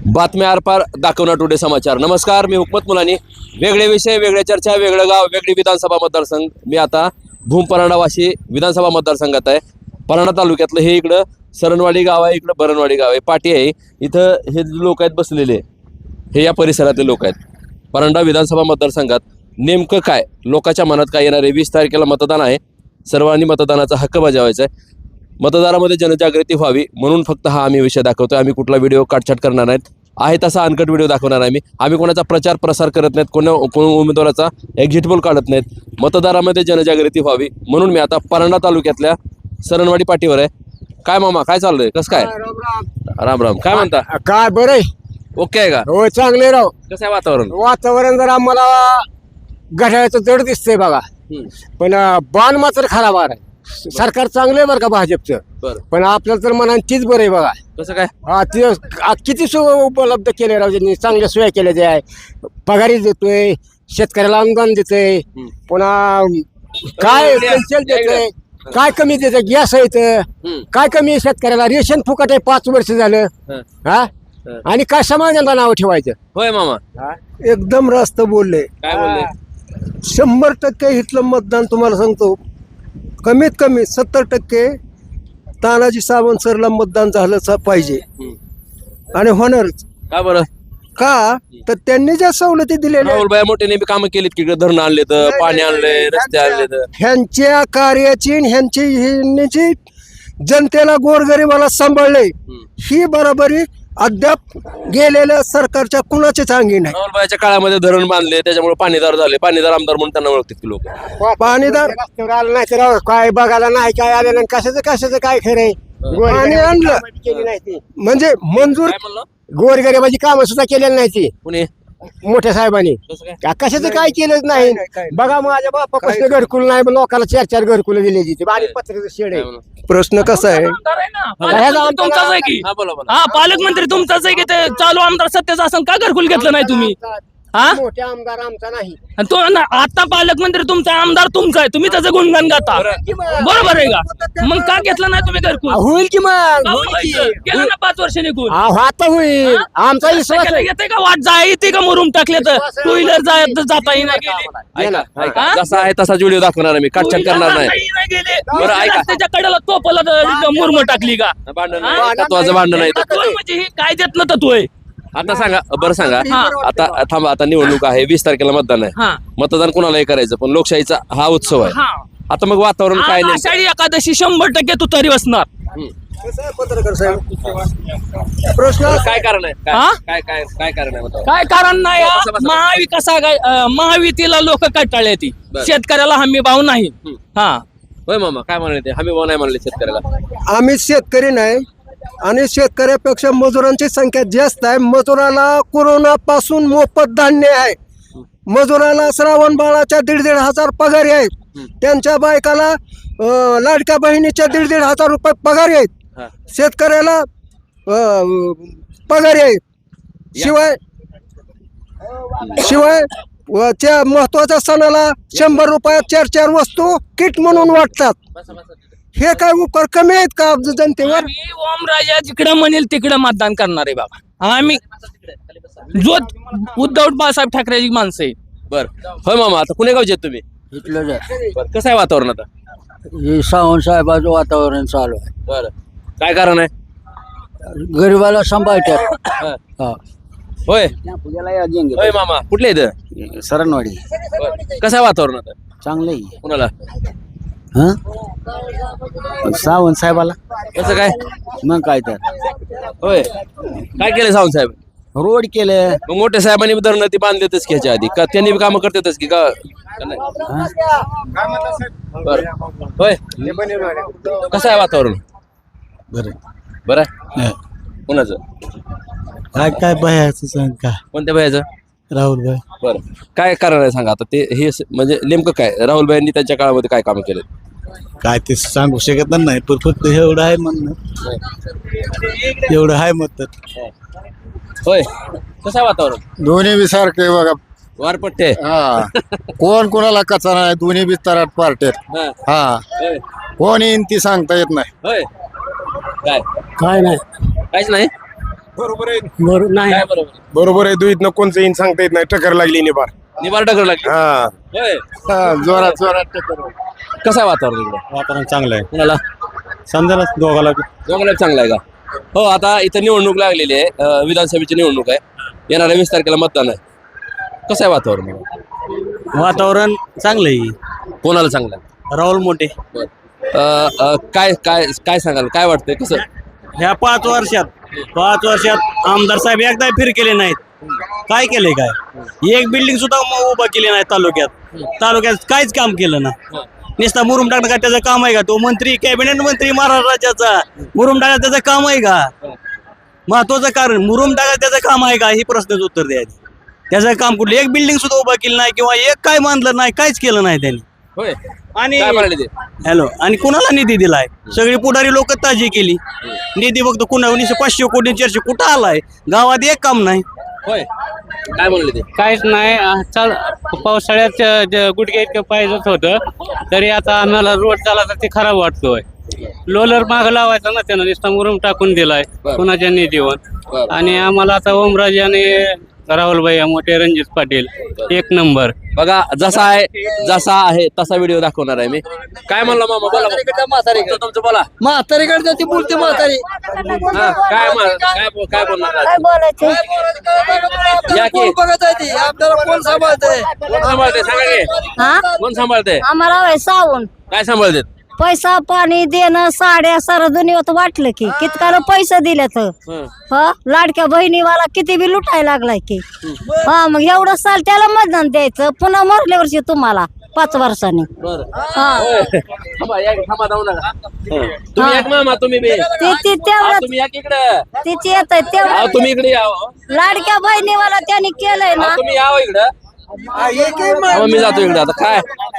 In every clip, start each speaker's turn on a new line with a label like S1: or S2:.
S1: बातम्या आरपार दाखवणार टुडे समाचार. नमस्कार, मी हुकमत मुलानी. वेगळे विषय, वेगळ्या चर्चा, वेगळं गाव, वेगळी विधानसभा मतदारसंघ. मी आता भूम परांडा वाशी विधानसभा मतदारसंघात आहे. परांडा तालुक्यातलं हे इकडं सरणवाडी गाव आहे, इकडं बरणवाडी गाव आहे, पाटी आहे. इथं हे लोक आहेत बसलेले, हे या परिसरातले लोक आहेत. परांडा विधानसभा मतदारसंघात नेमकं काय लोकांच्या मनात काय येणार आहे? 20 तारखेला मतदान आहे. सर्वांनी मतदानाचा हक्क बजावायचा आहे. मतदारामध्ये जनजागृती व्हावी म्हणून फक्त हा आम्ही विषय दाखवतोय. आम्ही कुठला व्हिडिओ काटछाट करणार नाहीत. आहे तसा अनकट व्हिडिओ दाखवणार आहे. आम्ही कोणाचा प्रचार प्रसार करत नाहीत, कोण उमेदवाराचा एक्झिट पोल काढत नाहीत. मतदारामध्ये जनजागृती व्हावी म्हणून मी आता परांडा तालुक्यातल्या सरणवाडी पाटीवर आहे. काय मामा, काय चाललंय? कसं काय? राम राम. काय म्हणता?
S2: काय बरं
S1: ओके आहे का?
S2: हो, चांगले राव.
S1: कसं आहे वातावरण?
S2: वातावरण जर आम्हाला घड्याळाचं जड दिसतंय बघा, पण बाण मात्र खराब आहे. सरकार चांगलं आहे बरं का भाजपचं,
S1: बरं.
S2: पण आपल्याला तर मनात तीच बरं आहे बघा.
S1: कसं काय?
S2: किती सोय उपलब्ध केले राव त्यांनी, चांगल्या सोया केल्या त्या आहे. पगारी देतोय, शेतकऱ्याला अनुदान देतोय, पुन्हा काय पेन्शन देतोय, काय कमी देतोय, गॅस आहे, काय कमी आहे शेतकऱ्याला, रेशन फुकट आहे 5 वर्ष झालं. हा, आणि काय समाजाला नाव ठेवायचं?
S1: होय मामा,
S3: एकदम रास्त बोलले.
S1: काय बोलले?
S3: 100% इथलं मतदान तुम्हाला सांगतो, कमीत कमी 70% तानाजी सावंत सरला मतदान झालं पाहिजे आणि होणारच.
S1: का बरं?
S3: का तर त्यांनी ज्या सवलती दिलेल्या
S1: राहुल भाई मोठे कामं केलीत की, धरण आणले तर, पाणी आणले, रस्ते आणले तर.
S3: ह्यांच्या कार्याची ह्यांची जनतेला गोरगरिबाला सांभाळले, ही बरोबरी अद्याप गेलेल्या सरकारच्या कुणाचीच अंगी नाही.
S1: राहुल भाईच्या काळामध्ये धरण बांधले, त्याच्यामुळे पाणीदार झाले. पाणीदार आमदार म्हणून त्यांना ओळखतात की लोक.
S3: पाणीदार
S2: रस्त्यावर आलं नाही तर राव, काय बघायला नाही, काय आलं नाही, कशाचं काय खरंय?
S3: पाणी आणलं
S2: केली नाही ती,
S3: म्हणजे मंजूर.
S1: काय म्हणलं?
S2: गोरगरिबाची कामं सुद्धा केलेली नाही ती
S1: कुणी?
S2: मोठ्या साहेबांनी.
S1: कसं काय?
S2: कशाचं काय केलंच नाही. बघा, माझ्या बापापासून घरकुल नाही, लोकांना 4-4 घरकुल दिले तिथे, आणि पत्र्याचं शेड
S1: काय
S2: आहे.
S1: म्हणलं?
S3: प्रश्न कसा आहे,
S4: पालकमंत्री तुमचाच आहे की?
S1: हा, बोला बोला.
S4: हा, पालकमंत्री तुमचाच आहे की? ते चालू आमदार सत्याचं असं का घरकुल घेतलं नाही तुम्ही? हा,
S2: मोठे आमदार आमचा नाही.
S4: आणि तो आता पालकमंत्री तुमचा, आमदार तुमचा आहे, तुम्ही त्याचं गुणगान गाता, बरोबर आहे का? मग का घेतलं नाही तुम्ही घरकुल?
S2: होईल की मग,
S4: गेलं ना 5 वर्ष निघून.
S2: आता होईल. आमचा विश्वास आहे.
S4: येते का वाट जाय येते का मुरुम टाकले तर 2 व्हीलर जाता येईना गेले.
S1: ऐका, जसा आहे तसाच व्हिडिओ दाखवणार आहे मी, काटछाट करणार नाही. बरं, ऐका.
S4: त्याच्या कडेला तोपला मुरम टाकली का?
S1: भांडण तत्वाचं भांडण आहे.
S4: तत्व म्हणजे हे काय देत ना तत्व आहे.
S1: आता सांगा, बरं सांगा. आता थांबा, आता निवडणूक आहे, 20 तारखेला मतदान आहे.
S4: हा.
S1: मतदान कोणालाही करायचं, पण लोकशाहीचा हा उत्सव आहे.
S4: हा.
S1: आता मग वातावरण काय नाही?
S4: आषाढी एकादशी 100% तुतारी बसणार.
S3: पत्रकार साहेब? प्रश्न
S1: काय कारण आहे?
S4: हा?
S1: काय काय काय कारण आहे बतावा?
S4: काय कारण नाही महाविकासा लोक कंटाळले ती,
S1: बरं.
S4: शेतकऱ्याला हमी भाव नाही. हा,
S1: होय मामा, काय म्हणले ते? हमी भाव नाही म्हणले शेतकऱ्याला.
S3: आम्ही शेतकरी नाही, आणि शेतकऱ्यापेक्षा मजुरांची संख्या जास्त आहे. मजुराला कोरोना पासून मोफत धान्य आहे. मजुराला श्रावण बाळाच्या 1,500 पगारी आहेत. त्यांच्या बायकाला लाडक्या बहिणीच्या 1,500 रुपये पगारी आहेत.
S1: हा.
S3: शेतकऱ्याला पगारी आहेत. शिवाय त्या महत्वाच्या सणाला 100 रुपयात 4-4 वस्तू किट म्हणून वाटतात. हे काय उपकार कमी आहेत का जनतेवर?
S4: आम्ही ओमराजा जिकडे म्हणेल तिकडे मतदान करणार आहे बाबा. आम्ही जो उद्धव बाळासाहेब ठाकरेची माणसं आहे.
S1: बर, होय मामा. आता कुणे गावचे आहेत तुम्ही?
S2: इथलं
S1: बरं, कसं आहे वातावरण आता?
S2: सावंत साहेबाचं वातावरण चालू आहे.
S1: बरं, काय कारण आहे?
S2: गरीबाला सांभाळतात.
S1: हा. होय होय मामा, कुठले इथं?
S2: सरणवाडी
S1: बरं. कसं आहे वातावरण आता?
S2: चांगलं
S1: कुणाला?
S2: सावंत साहेबाला.
S1: कसं काय?
S2: मग काय तर
S1: होय, काय केलं सावंत साहेब?
S2: रोड केले.
S1: मग मोठ्या साहेबांनी धरणं ती बांधलेतच की ह्याच्या आधी, का त्यांनी बी कामं करतातच की का? बरं, होय. कसं आहे वातावरण? बरं आहे. कोणाचं?
S3: काय बायाचं सांग का?
S1: कोणत्या भयाचं?
S3: राहुल भाई.
S1: बरं, काय कारण आहे सांगा आता? ते हे म्हणजे नेमकं काय राहुल भाईंनी त्यांच्या काळामध्ये काय कामं केले?
S3: काय ते सांगू शकत नाही, पण फक्त एवढं आहे म्हणणं, एवढं आहे मत.
S1: होय, कसं आहे वातावरण?
S2: दोन्ही बी सारखे बघा.
S1: वारपट्टे.
S2: कोण कोणाला कचा नाही, दोन्ही बी तराट पार्टेत.
S1: हा.
S2: हा,
S1: होय.
S2: कोण येईन ती सांगता येत नाही.
S1: होय. काय
S2: काय नाही.
S1: काहीच नाही?
S5: बरोबर आहे
S2: नाही
S1: काय बरोबर आहे?
S5: बरोबर आहे दुईतनं कोणचं येईन सांगता येत नाही टक्कर लागली निबार
S1: निबार टक्कर लागली
S5: हा
S1: होय
S5: जोरात जोरात टक्कर
S1: कसं आहे वातावरण इकडे
S6: वातावरण चांगलं आहे
S1: कुणाला
S6: समजायला दोघाला
S1: दोघांना चांगलं आहे का हो आता इथं निवडणूक लागलेली आहे विधानसभेची निवडणूक आहे येणाऱ्या 20 तारखेला मतदान आहे कसं आहे वातावरण
S6: वातावरण चांगलं आहे
S1: कोणाला चांगलं आहे
S6: राहुल मोठे
S1: काय काय काय सांगाल काय वाटतंय कसं
S6: ह्या 5 वर्षात आमदार साहेब एकदा फिर केले नाहीत काय केलंय काय एक बिल्डिंग सुद्धा उभा केली नाही तालुक्यात काहीच काम केलं ना नुसता मुरुम टाकणं का त्याचं काम आहे का तो मंत्री कॅबिनेट मंत्री महाराष्ट्र राज्याचा मुरुम टाका त्याचं काम आहे का महत्वाचं कारण मुरुम टाका त्याचं काम आहे का ही प्रश्नाचं उत्तर द्यायचं त्याचं काम कुठलं एक बिल्डिंग सुद्धा उभा केली नाही किंवा एक काय बांधलं नाही काहीच केलं नाही त्यांनी
S1: होय
S6: आणि
S1: काय म्हणाले ते
S6: हॅलो आणि कुणाला निधी दिलाय सगळी पुढारी लोक ताजी केली निधी फक्त कुणा 500 कोटी 400 कुठं आलाय गावात एक काम नाही
S1: होय काय म्हणले ते
S7: काहीच नाही चाल पावसाळ्यात गुडघे इतकं पाहिजेच होतं तरी आता आम्हाला रोड झाला तर ते खराब वाटतोय लोलर माग लावायचा ना त्यानं नुसता मुरुम टाकून दिलाय
S1: बरं.
S7: कुणाच्या निधीवर
S1: बरं.
S7: आणि आम्हाला आता ओमराजे आणि राहुल भैया मोठे रणजित पाटील एक नंबर
S1: बघा जसा आहे तसा व्हिडिओ दाखवणार आहे मी काय म्हणलं मामा बोला तुमचं बोला
S2: म्हातारीकडे ती बोलते म्हातारी
S1: हा, काय बोलणार
S8: काय बोलायचं
S1: या की
S2: बघत आहे ती आपल्याला कोण सांभाळते
S1: कोण सांभाळते सांगा की
S8: हा
S1: कोण सांभाळते
S8: आम्हाला वय सावून
S1: काय सांभाळते
S8: पैसा पाणी देणं साड्या सारं दुनियात वाटलं की कितकाला पैसे दिले तर हा लाडक्या बहिणीवाला किती बी लुटायला लागलाय की हा मग एवढं साल त्याला मतदान द्यायचं पुन्हा मरल्या वर्षी तुम्हाला 5 वर्षांनी हा
S1: थांबा जाऊ नका तुम्ही एक मामा तुम्ही बी
S8: ती तेवढं
S1: तुम्ही या की इकडं
S8: तिची येत तेवढं
S1: तुम्ही इकडे यावं
S8: लाडक्या बहिणीवाला त्यांनी केलंय ना
S1: तुम्ही यावं इकडं मी जातो इकडे आता काय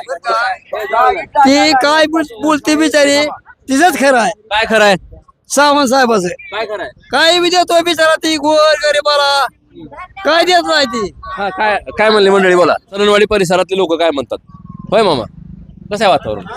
S2: ती काय बोलते बिचारी तिचंच खरं आहे
S1: काय खरं आहे
S2: सावंत साहेबाचं
S1: काय खरं आहे
S2: काय बी देतोय बिचारा ती गोर गरीबाला काय देत नाही ती
S1: हा काय काय म्हणले मंडळी बोला सरणवाडी परिसरातले लोक काय म्हणतात होय मामा कसं आहे वातावरण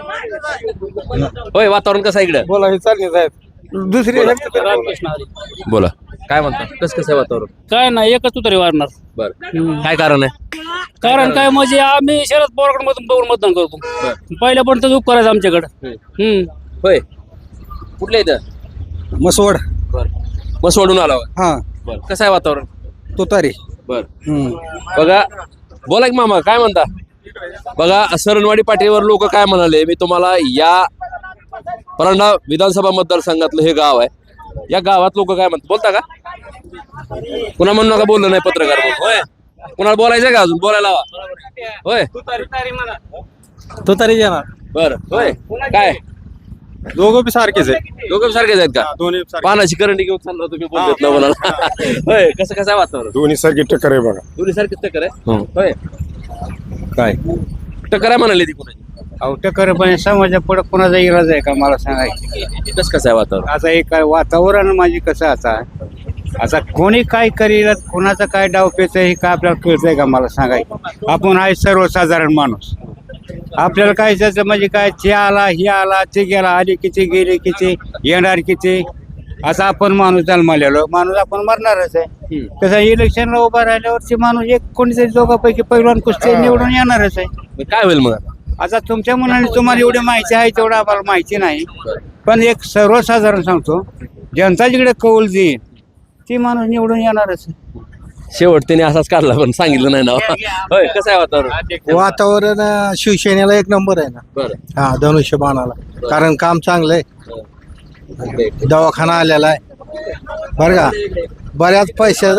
S1: होय वातावरण कसं आहे इकडे
S5: बोला हे चालले साहेब दुसरी
S1: बोला काय म्हणतात कसं आहे वातावरण
S7: काय नाही एकच उतरी वाढणार
S1: बर काय कारण आहे
S7: कारण काय म्हणजे आम्ही शरद पवारकडे बघून मतदान करतो पहिल्या पण तर करायचं आमच्याकडे
S1: होय कुठल्या इथं
S2: मसवड
S1: बर मग सोडून आला होय.
S2: हा
S1: बर कसं आहे वातावरण
S2: तुतारी
S1: बर बघा बोला की मामा काय म्हणता बघा सरणवाडी पाठीवर लोक काय म्हणाले मी तुम्हाला या परंडा विधानसभा मतदारसंघातलं हे गाव आहे या गावात लोक काय म्हणतात बोलता का कुणा म्हणून नका बोललं नाही पत्रकार म्हणून. होय कुणाला बोलायचं का अजून बोलायला हवा होय
S6: तुतारी येणार
S1: बर होय काय
S6: दोघं बी सारखेच आहे
S1: दोघं सारखेच आहेत का
S6: दोन्ही
S1: पानाची करंडी घेऊन चालला तुम्ही बोलत ना बोलायला होय कसं आहे वातावरण
S5: दोन्ही सारखी टक्कर आहे बघा
S1: दोन्ही सारखीच टक्कर आहे होय
S6: काय
S1: टक्कर आहे म्हणाली ती कुणाची
S6: अहो टक्कर पण समाजा पुढे कोणाचा इराज आहे का मला सांगायचं
S1: कसं आहे वातावरण
S6: आता एक वातावरण माझी कसं आता कोणी काय करील कोणाचं काय डाव पेच हे काय आपल्याला कळतंय का मला सांगायचं आपण आहे सर्वसाधारण माणूस आपल्याला काय त्याचं म्हणजे काय ते आला हे आला ते गेला आली किती गेले किती येणार किती असं आपण माणूस जन्मालेलो माणूस आपण मरणारच आहे तसं इलेक्शनला उभा राहिल्यावरची माणूस एक कोणीतरी दोघांपैकी पैलवान कुस्ती निवडून येणारच आहे
S1: काय होईल मग आता?
S6: आता तुमच्या मनाने तुम्हाला एवढी माहिती आहे तेवढं आम्हाला माहिती नाही पण एक सर्वसाधारण सांगतो जनता जिकडे कौल देईल ती माणूस निवडून येणारच आहे.
S1: शेवट त्याने असाच काढला पण सांगितलं नाही ना होय कसं आहे वातावरण
S3: वातावरण शिवसेनेला एक नंबर आहे ना
S1: बरं
S3: हा धनुष्यबाणाला कारण काम चांगलं आहे दवाखाना आलेला आहे बरं का बऱ्याच पैशा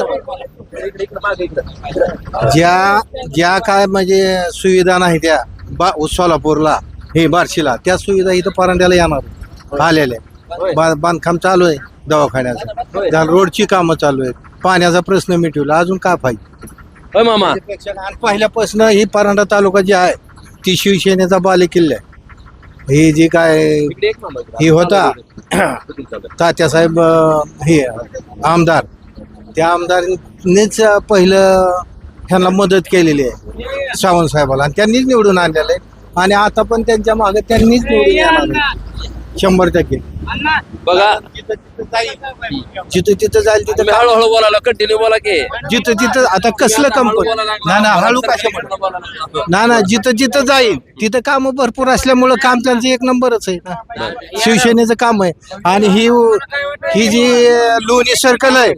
S3: ज्या काय म्हणजे सुविधा नाही त्या सोलापूरला हे बार्शीला त्या सुविधा इथं परांड्याला येणार आलेल्या बांधकाम चालू आहे दवाखान्याचं रोडची कामं चालू आहेत पाण्याचा प्रश्न मिटवला अजून काय पाहिजे
S1: होय मामा
S3: आणि पहिल्यापासून ही परांडा तालुका जी आहे ती शिवसेनेचा बालेकिल्ला आहे ही जी काय ही होता तात्यासाहेब हे आमदार त्या आमदारांनीच पहिलं ह्यांना मदत केलेली आहे सावंत साहेबाला आणि त्यांनीच निवडून आणलेलं आहे आणि आता पण त्यांच्या मागे त्यांनीच निवडून येणार आहे
S5: 100%
S1: बघा
S5: जिथं तिथं जाईल तिथं
S1: तुम्ही हळूहळू बोलायला कंटिन्यू बोला की
S5: जिथं तिथं आता कसलं कंपनी ना हळू कशा ना जिथं जिथं जाईल तिथं काम भरपूर असल्यामुळं काम त्यांचं एक नंबरच आहे ना शिवसेनेचं काम आहे आणि ही जी लोणी सर्कल आहे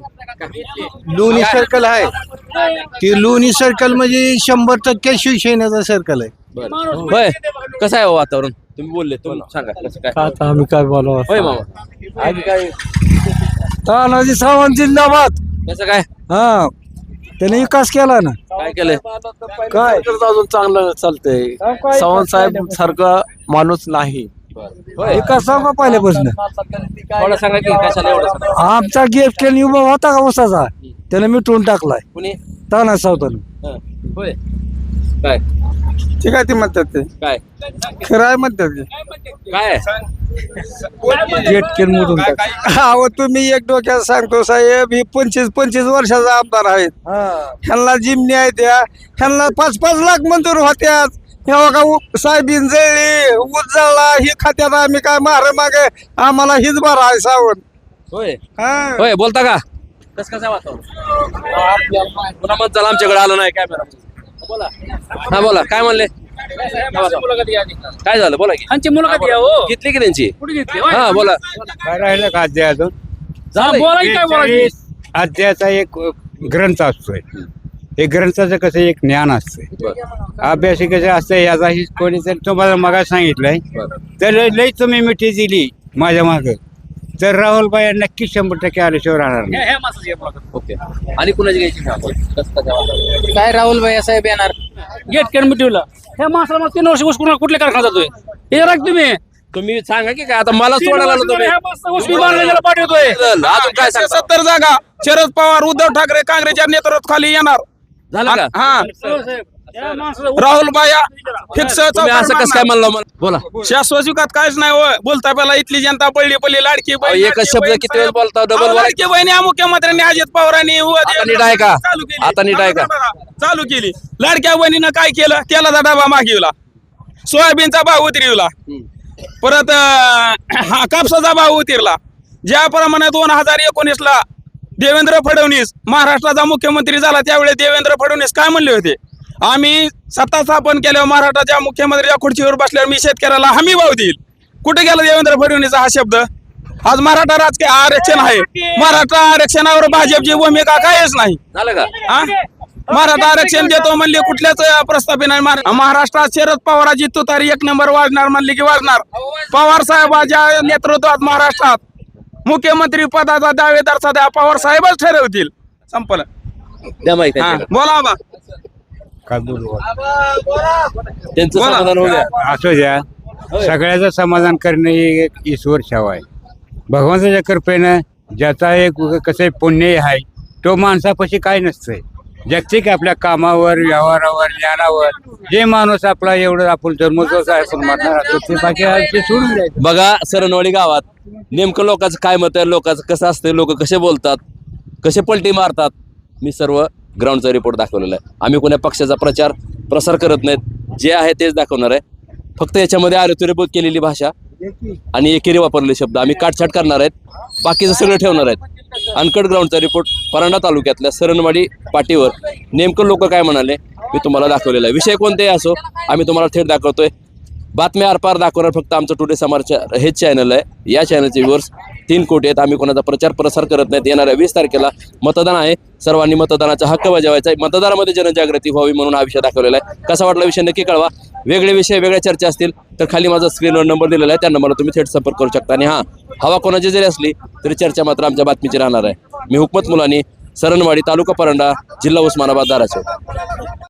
S5: ती लोणी सर्कल म्हणजे 100% शिवसेनेचं सर्कल आहे
S1: होय कसं आहे हो वातावरण तुम्ही बोलले तुम्ही सांगा कसं काय
S5: आता आम्ही काय बोलावं
S1: होय मामा आम्ही काय
S5: तानाजी सावंत जिंदाबाद
S1: कसं काय
S5: हा त्याने विकास केला ना
S1: काय केलंय
S5: काय अजून चांगलं चालतंय सावंत साहेब सारखा माणूस नाही
S1: होय
S5: विकास सांगा पहिल्यापासून
S1: थोडं सांगा की कशाला एवढं सांगा?
S5: आमचा गेट केला उभा होता का उसाचा त्याने मिटवून टाकलाय
S1: कुणी
S5: ताना सावतानं
S1: हं. होय काय
S5: ठीक आहे ते म्हणतात ते
S1: काय
S5: खरं आहे म्हणतात ते
S1: काय
S5: गेट केलं मोडून अहो तुम्ही एक डोक्यात सांगतो साहेब ही 25 वर्षाचा आमदार आहेत ह्यांना जिमनी आहे त्या ह्यांना 5 लाख मंजूर होत्या का साहेबीन जळली ऊस जळला ही खात्यात आम्ही काय मागे आम्हाला हीच बरं आहे सावंत
S1: होय
S5: हा.
S1: होय बोलता का कसं कसं आहे वातावरण पुन्हा मत झालं आमच्याकडे आलं नाही कॅमेरा बोला हा बोला काय म्हणले काय झालं बोला की
S4: आमची मुलाखत घ्या हो
S1: घेतली की त्यांची
S4: कुठे घेतली
S1: हा बोला
S5: काय राहिलं का अध्याय अजून
S4: बोला की काय बोलायची
S5: अध्यायाचा एक ग्रंथ असतोय हे ग्रंथाचं कसं एक ज्ञान असतंय अभ्यासिकेचं असतं याचाही कोणीतरी तुम्हाला मगा सांगितलंय तर लई तुम्ही मिठी दिली माझ्या मागं तर राहुलबाई नक्की 100% आल्याशिवाय राहणार नाही
S1: ओके आणि कुणाची घ्यायची का आपण? कसं काय वातावरण?
S4: काय राहुल भाई साहेब येणार गेट कॅन मिटवलं ह्या माणसाला मला 3 वर्ष घुसखोर कुठले कारखाना जातोय हे राख तुम्ही
S1: तुम्ही सांगा की काय आता मला सोडायला आलो तुम्ही
S4: पाठवतोय
S1: अजून काय सांगता?
S5: 70 जागा शरद पवार उद्धव ठाकरे काँग्रेसच्या नेतृत्वाखाली येणार
S1: झालं का
S5: हा राहुल बाया फिक्स
S1: तुम्ही असं कसं काय म्हणलं मला बोला
S5: शाश्वत विकास काहीच नाही हो बोलता पहिला इथली जनता पडली लाडकी
S1: अहो, एकच शब्द किती वेळ बोलता डबल बोला
S5: लाडकी बहिणी मुख्यमंत्र्यांनी अजित पवारांनी
S1: आता नीट आहे का? आता नीट आहे का?
S5: चालू केली लाडक्या बहिणीनं काय केलं तेलाचा डबा मागिवला सोयाबीनचा भाव उतरवला परत कापसाचा भाव उतरला ज्याप्रमाणे 2019 ला देवेंद्र फडणवीस महाराष्ट्राचा मुख्यमंत्री झाला त्यावेळी देवेंद्र फडणवीस काय म्हणले होते आम्ही सत्ता स्थापन केल्यावर महाराष्ट्राच्या मुख्यमंत्र्याच्या खुर्चीवर बसल्यावर मी शेतकऱ्याला हमी भाव देईल कुठे गेला देवेंद्र फडणवीसचा हा शब्द आज मराठा राजकीय आरक्षण आहे मराठा आरक्षणावर भाजपची भूमिका काहीच नाही
S1: झालं का
S5: हा? मराठा आरक्षण देतो म्हणले कुठल्याच प्रस्ताव नाही महाराष्ट्रात शरद पवाराची तुतारी 1 नंबर वाजणार म्हणले की वाजणार पवार साहेबांच्या नेतृत्वात महाराष्ट्रात मुख्यमंत्री पदाचा दावेदार सध्या पवार साहेबच ठरवतील संपलं
S1: द्या माहिती
S5: हा, बोला बा
S1: त्यांचं समाधान होऊ द्या
S5: असं द्या सगळ्याचं समाधान करणे ही एक ईश्वर सेवा आहे भगवंताच्या कृपेनं ज्याचा एक कसं पुण्य आहे तो माणसापाशी काय नसतंय जागतिक आपल्या कामावर व्यवहारावर ज्ञानावर जे माणूस आपला एवढं आपण जन्मोत्सव आहे मारणार असतो ते बाकी ते सोडून द्यायचं
S1: बघा सरणवाडी गावात नेमकं लोकांचं काय मत आहे लोकांचं कसं असतं लोक कसे बोलतात कसे पलटी मारतात मी सर्व ग्राउंडचा रिपोर्ट दाखवलेला आहे आम्ही कोण्या पक्षाचा प्रसार करत नाहीत जे आहे तेच दाखवणार आहे फक्त याच्यामध्ये आरोग्यपूर्वक केलेली भाषा आणि एकेरी वापरलेले शब्द आम्ही काटछाट करणार आहेत बाकीचं सगळं ठेवणार आहेत अनकट ग्राउंडचा रिपोर्ट परांडा तालुक्यातल्या सरणवाडी पाटीवर नेमकं लोक काय म्हणाले मी तुम्हाला दाखवलेलं आहे विषय कोणतेही असो आम्ही तुम्हाला थेट दाखवतोय बातम्या आरपार दाखवणार फक्त आमचं टुडे समाचार हेच चॅनल आहे या चॅनलचे व्ह्यूअर्स 3 कोटी आहेत आम्ही कोणाचा प्रसार करत नाहीत येणाऱ्या 20 तारखेला मतदान आहे सर्वांनी मतदानाचा हक्क बजावायचा आहे मतदारामध्ये जनजागृती व्हावी म्हणून हा विषय दाखवलेला आहे कसा वाटला विषय नक्की कळवा वेगळे विषय वेगळ्या चर्चा असतील तर खाली माझा स्क्रीनवर नंबर दिलेला आहे त्या नंबरला तुम्ही थेट संपर्क करू शकता आणि हां हवा कोणाची जरी असली तरी चर्चा मात्र आमच्या बातमीची राहणार आहे मी हुकमत मुलानी सरणवाडी तालुका परांडा जिल्हा उस्मानाबाद धाराशिव